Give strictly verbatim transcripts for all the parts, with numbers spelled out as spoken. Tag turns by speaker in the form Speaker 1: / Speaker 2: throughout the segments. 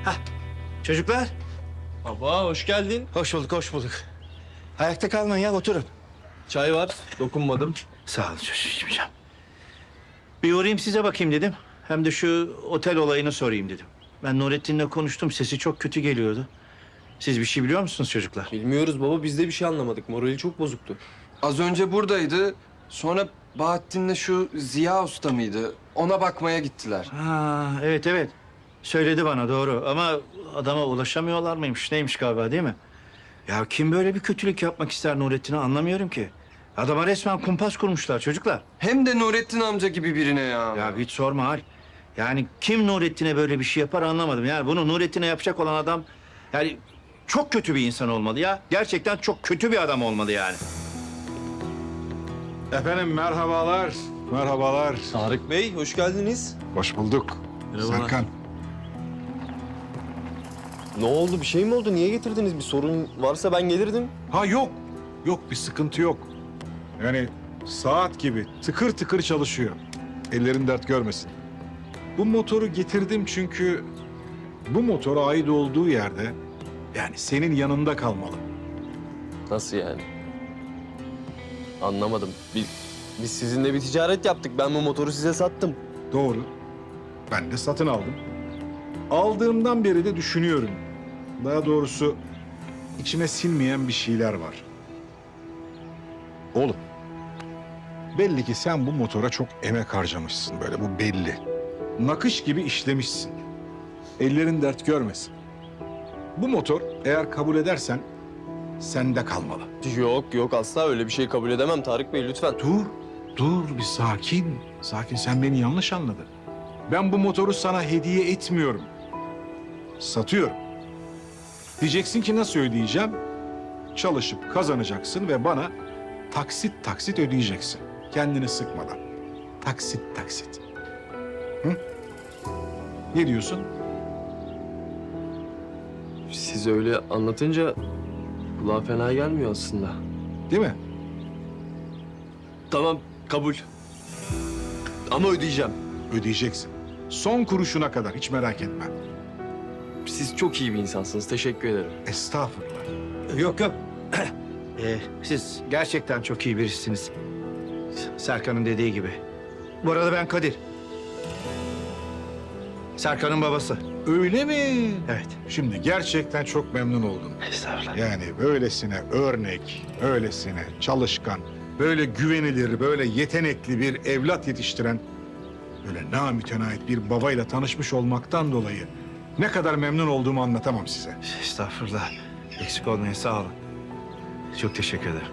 Speaker 1: Hah, çocuklar.
Speaker 2: Baba hoş geldin.
Speaker 1: Hoş bulduk, hoş bulduk. Ayakta kalmayın ya, oturun.
Speaker 2: Çay var, dokunmadım.
Speaker 1: Sağ olun çocuğum, içmeyeceğim. Bir uğrayayım size bakayım dedim. Hem de şu otel olayını sorayım dedim. Ben Nurettin'le konuştum, sesi çok kötü geliyordu. Siz bir şey biliyor musunuz çocuklar?
Speaker 2: Bilmiyoruz baba, biz de bir şey anlamadık. Morali çok bozuktu.
Speaker 3: Az önce buradaydı. Sonra Bahattin'le şu Ziya Usta mıydı? Ona bakmaya gittiler.
Speaker 1: Ha, evet evet. Söyledi bana, doğru. Ama adama ulaşamıyorlar mıymış, neymiş galiba, değil mi? Ya kim böyle bir kötülük yapmak ister Nurettin'e, anlamıyorum ki. Adama resmen kumpas kurmuşlar çocuklar.
Speaker 3: Hem de Nurettin amca gibi birine ya.
Speaker 1: Ya hiç sorma Hal. Yani kim Nurettin'e böyle bir şey yapar anlamadım. Yani bunu Nurettin'e yapacak olan adam... yani çok kötü bir insan olmalı ya. Gerçekten çok kötü bir adam olmalı yani.
Speaker 4: Efendim merhabalar, merhabalar.
Speaker 2: Tarık Bey, hoş geldiniz.
Speaker 4: Hoş bulduk.
Speaker 2: Merhabalar.
Speaker 4: Serkan.
Speaker 2: Ne oldu, bir şey mi oldu? Niye getirdiniz? Bir sorun varsa ben gelirdim.
Speaker 4: Ha yok, yok bir sıkıntı yok. Yani saat gibi tıkır tıkır çalışıyor. Ellerin dert görmesin. Bu motoru getirdim çünkü bu motora ait olduğu yerde yani senin yanında kalmalı.
Speaker 2: Nasıl yani? Anlamadım. Biz, biz sizinle bir ticaret yaptık. Ben bu motoru size sattım.
Speaker 4: Doğru. Ben de satın aldım. Aldığımdan beri de düşünüyorum. Daha doğrusu içime sinmeyen bir şeyler var. Oğlum, belli ki sen bu motora çok emek harcamışsın böyle, bu belli. Nakış gibi işlemişsin. Ellerin dert görmesin. Bu motor eğer kabul edersen sende kalmalı.
Speaker 2: Yok yok, asla öyle bir şey kabul edemem Tarık Bey, lütfen.
Speaker 4: Dur, dur bir sakin. Sakin, sen beni yanlış anladın. Ben bu motoru sana hediye etmiyorum. Satıyorum. Diyeceksin ki nasıl ödeyeceğim? Çalışıp kazanacaksın ve bana taksit taksit ödeyeceksin. Kendini sıkmadan. Taksit taksit. Hı? Ne diyorsun?
Speaker 2: Siz öyle anlatınca kulağa fena gelmiyor aslında.
Speaker 4: Değil mi?
Speaker 2: Tamam, kabul. Ama ödeyeceğim.
Speaker 4: Ödeyeceksin. Son kuruşuna kadar, hiç merak etme.
Speaker 2: Siz çok iyi bir insansınız. Teşekkür ederim.
Speaker 4: Estağfurullah.
Speaker 1: Yok yok. Ee, siz gerçekten çok iyi birisiniz. Serkan'ın dediği gibi. Bu arada ben Kadir. Serkan'ın babası.
Speaker 4: Öyle mi?
Speaker 1: Evet.
Speaker 4: Şimdi gerçekten çok memnun oldum.
Speaker 1: Estağfurullah.
Speaker 4: Yani böylesine örnek, öylesine çalışkan, böyle güvenilir, böyle yetenekli bir evlat yetiştiren, böyle namütenait bir babayla tanışmış olmaktan dolayı ne kadar memnun olduğumu anlatamam size.
Speaker 1: Estağfurullah. Eksik olmayın, sağ olun. Çok teşekkür ederim.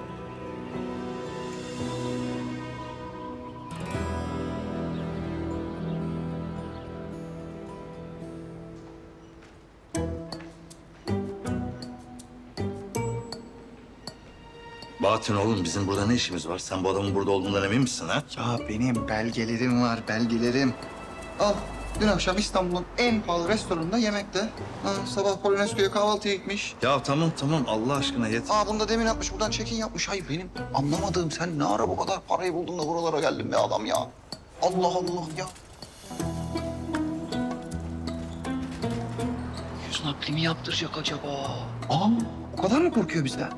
Speaker 5: Bahattin oğlum bizim burada ne işimiz var? Sen bu adamın burada olduğundan emin misin ha?
Speaker 6: Ya benim belgelerim var, belgelerim. Al, dün akşam İstanbul'un en pahalı restoranında yemekte. Ha, sabah Polonezköy'e kahvaltıya gitmiş.
Speaker 5: Ya tamam tamam Allah aşkına yeter.
Speaker 6: Aa, bunu da demin atmış, buradan check-in yapmış. Hayır, benim anlamadığım, sen ne ara bu kadar parayı buldun da buralara geldin be adam ya? Allah Allah ya. Yüz nakli mi yaptıracak acaba? Aa, o kadar mı korkuyor bizden?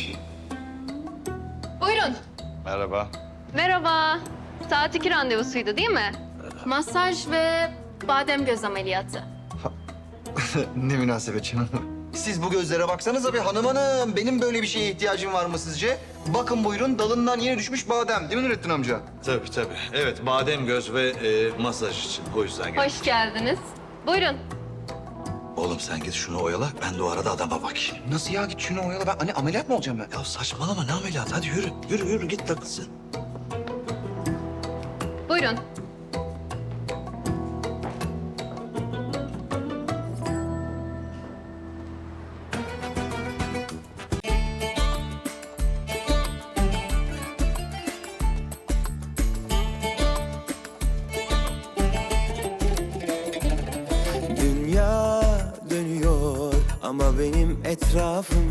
Speaker 7: Buyurun.
Speaker 5: Merhaba.
Speaker 7: Merhaba. Saat iki randevusuydu değil mi? Masaj ve badem göz ameliyatı.
Speaker 6: Ne münasebet canım. Siz bu gözlere baksanıza bir hanım hanım. Benim böyle bir şeye ihtiyacım var mı sizce? Bakın buyurun, dalından yeni düşmüş badem. Değil mi Nurettin amca?
Speaker 5: Tabii tabii. Evet badem göz ve e, masaj için o yüzden geldim.
Speaker 7: Hoş geldiniz. Buyurun.
Speaker 5: Oğlum sen git şunu oyala ben de o arada adama bakayım.
Speaker 6: Nasıl ya? Git şunu oyala. Ben hani ameliyat mı olacağım ben?
Speaker 5: Ya saçmalama ne ameliyat hadi yürü. Yürü yürü git takılsın.
Speaker 7: Buyurun.
Speaker 8: Dünya dönüyor ama benim etrafım